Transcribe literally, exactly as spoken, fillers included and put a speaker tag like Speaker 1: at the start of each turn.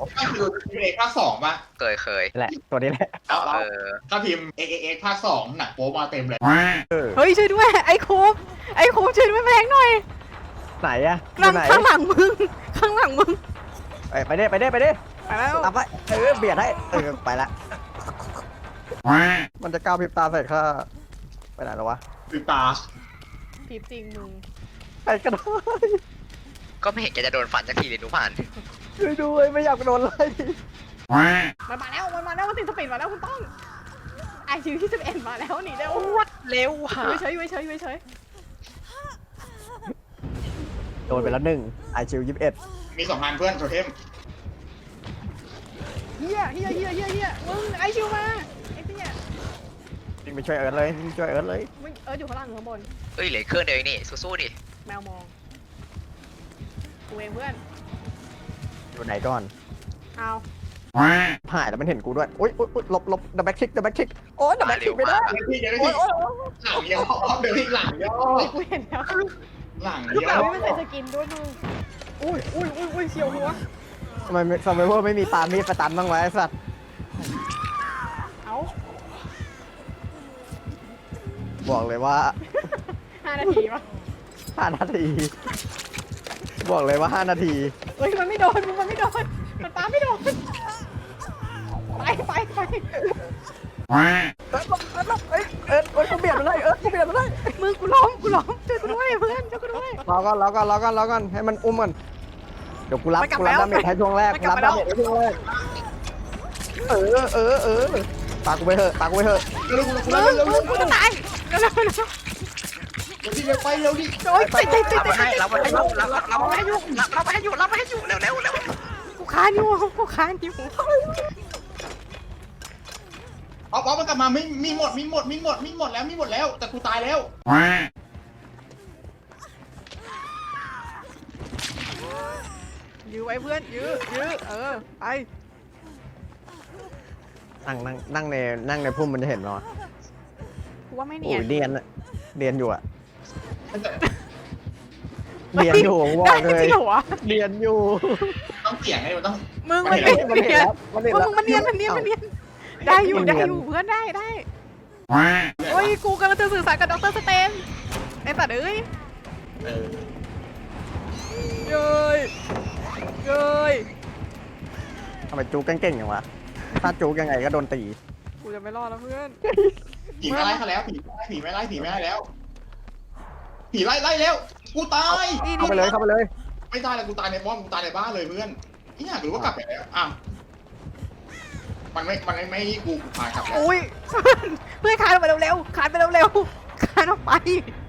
Speaker 1: ก็คือเอกภาคสองป่ะ
Speaker 2: เคยเคย
Speaker 3: แหละตัวนี้แหละ
Speaker 1: แล้ว
Speaker 2: เออ
Speaker 1: ก็พิมพ์เอกเอกภาคสองหนังโป๊มาเต็มเลย
Speaker 4: เฮ้ยช่วยด้วยไอ้โคบไอ้โคบช่วยด้วยแพงหน่อย
Speaker 3: ไหนอะอ
Speaker 4: ข้าง
Speaker 3: ยู่ไหน
Speaker 4: ข้างหลังมึงข้างหลังมึง
Speaker 3: ไปไปดิไปดิไปดิ
Speaker 4: ไปแล้ว
Speaker 3: ตามไปเออเบียดให้เออไปละมันจะก้าวพริบตาใส่ข้าไปไหนแล้ววะ
Speaker 1: คือตา
Speaker 4: พีบจริงมึง
Speaker 3: ไปก็ได้
Speaker 2: ก็ไม่เห็นแกจะโดนฟันสักทีเลยทุกผ่าน
Speaker 3: ช่วยด้วยไม่อยากโดนไล่
Speaker 4: มันมาแล้วมันมาแล้วมันติดสปีดมาแล้วคุณต้องไอคิวที่สิบเอ็ดมาแล้วหนีเร็ว
Speaker 2: วัดเร็วว่ะ
Speaker 4: อยู่เฉยอยู่เฉยอยู่เฉย
Speaker 3: โดนไปแล้วหนึ่งไอชิวยี่สิบเอ็ด
Speaker 1: มีสองพันเพื่อนโทเทม
Speaker 4: เฮียเฮียเฮียเฮียเฮียมึงไอคิวมาไอ้เฮีย
Speaker 3: วิ่งไปช่วยเอิร์ธเลยวิ่งช่วยเอิร์ธเลย
Speaker 4: มึงเอออยู่ข้างล่างหรือข้างบน
Speaker 2: เอ้ยเหลือเครื่องเดียวเองนี่สู้ๆดิ
Speaker 4: แมวมองกูเองเพื่อน
Speaker 3: อยู่ไหนก่อน
Speaker 4: เอา
Speaker 3: หายแล้วมันเห็นกูด้วยอุ้ยอุ้ยหลบหลบดับแบ็กคิกดับแบ็กคิกโอ้ยดับแบ็กคิกไม่ได้
Speaker 1: เดี๋ยวพี่เดี๋ยว
Speaker 3: โอ้
Speaker 1: พี่
Speaker 3: ยโอ้ย
Speaker 1: หลังย่อเดี๋ยวพี่หลังย่อ
Speaker 4: กูเห็นแล้ว
Speaker 1: หลัง
Speaker 4: ลูก
Speaker 1: ย่
Speaker 4: ห
Speaker 1: อ
Speaker 4: ลานไม่ใส่สกินด้วยมึงอุ้ยอุ้ยอุ้ยอุ้ยเฉียวหัว
Speaker 3: ทำไมทำไมพวกไม่มีปามีดประตันบ้างวะไอ้สัตว์
Speaker 4: เอา
Speaker 3: บอกเลยว่า
Speaker 4: ห้านาทีปะ
Speaker 3: ห้านาที บอกเลยว่าห้านาที
Speaker 4: เฮ้ยมันไม่โดนมึงมันไม่โดนมันปาไม่โดนไปไปไป
Speaker 3: เอิร์ธเอิร์ธเอิร์ธเอิร์ธเอิร์ธกูเบียดมันเลยเอิร์ธกูเบียดมันเลย
Speaker 4: มึงกูล้มกูล้มช่วยกูด้วยเพื่อนช่วยกูด้วย
Speaker 3: รอก่อนรอก่อนรอก่อนรอก่อนให้มันอุ้มก่อนเดี๋ยวกูรับ
Speaker 4: มันกลับ
Speaker 3: กูรับ
Speaker 4: แล้ว
Speaker 3: ดาเมจให้ช่วงแรก
Speaker 4: มัน
Speaker 3: กู
Speaker 4: กลั
Speaker 3: รั
Speaker 4: บบ มา
Speaker 3: ดาเมจให้ช่วงแรกเออเออเออตากกูไปเถอะตากกูไปเถอะ
Speaker 1: เร็ว
Speaker 4: มึ
Speaker 1: เร็ว
Speaker 4: ง
Speaker 1: เร็ว
Speaker 4: มึ
Speaker 1: เร็
Speaker 4: ง
Speaker 1: ว
Speaker 4: กูจะตายเร็วเร็วเร็ว
Speaker 1: เร็วพี่เร็วไปเร็วดิ
Speaker 4: โอ๊ยติดติดติด
Speaker 2: รับ
Speaker 4: ติ
Speaker 2: มา
Speaker 4: ด
Speaker 2: ให้รับมาให้อยู่รับรับมาให้อยู่รับรับมาให้อยู่รับมาให้อยู่เร็วเร็วเร็ว
Speaker 4: กูค้านอยู่กูค้านอยู่
Speaker 1: เอาเอามันกลับมาไม่มีหมดมีหมดมีหมดมีหมดแล้วมีหมดแล้วแต่กูตายแล้ว
Speaker 4: ยื้อไว้เพื่อนยื้อยื้อเออไป
Speaker 3: นั่งนั่งนั่งในนั่งในพุ่มมันจะเห็นเหรอ
Speaker 4: กูว่าไม่เนี
Speaker 3: โอ้
Speaker 4: ย
Speaker 3: ย
Speaker 4: น
Speaker 3: เรียนอะเรียนอยู่อะ
Speaker 4: ฮ้
Speaker 3: เรียนอยู่ผมบอก
Speaker 4: ได้
Speaker 3: เลย
Speaker 4: จริงเหรอวะ
Speaker 3: เรียนอยู่
Speaker 1: ต้องเสี่ยงไงมันต้อง
Speaker 4: มึงมัน
Speaker 1: มัน
Speaker 4: เนี
Speaker 1: เห็
Speaker 4: ย
Speaker 1: น
Speaker 4: น
Speaker 3: มัน
Speaker 4: มัน
Speaker 3: เห็น
Speaker 4: เนียน
Speaker 3: แล้วมันเห็น
Speaker 4: มึ
Speaker 3: แล้ว
Speaker 4: งมันเนียนมันเนียนมันเนียนได้อยู่ได้อยู่เพื่อนได้ได้โอ้ยกูกำลังจะสื่อสารกับดรสเตนไอ้สัตว์เอ้ย
Speaker 1: เออ
Speaker 4: เย้ยเย้ย
Speaker 3: ทำไมจู๊กเก่งๆอย่างวะถ้าจู๊กยังไงก็โดนตี
Speaker 4: กูจะไม่รอดแล้วเพื่อน
Speaker 1: ผีไม่ไล่เขาแล้วผีไม่ไล่ผีไม่ไล่ผีไม่ไล่แล้วผีไล่ไล่แล้วกูตาย
Speaker 4: นี่
Speaker 3: เข้า
Speaker 4: นี่
Speaker 3: ไปเลยเข้าไปเลย
Speaker 1: ไม่ตายแล้วกูตายในบ้านกูตายในบ้านเลยเพื่อนนี่อยากรู้ว่ากลับไปแล้วอ้าวมันไม่มันไม่ไม่กูกูพากลับแล้ว
Speaker 4: อุ้ยเพื่อนคานออกไปเร็วๆคานไปเร็วๆคานออกไป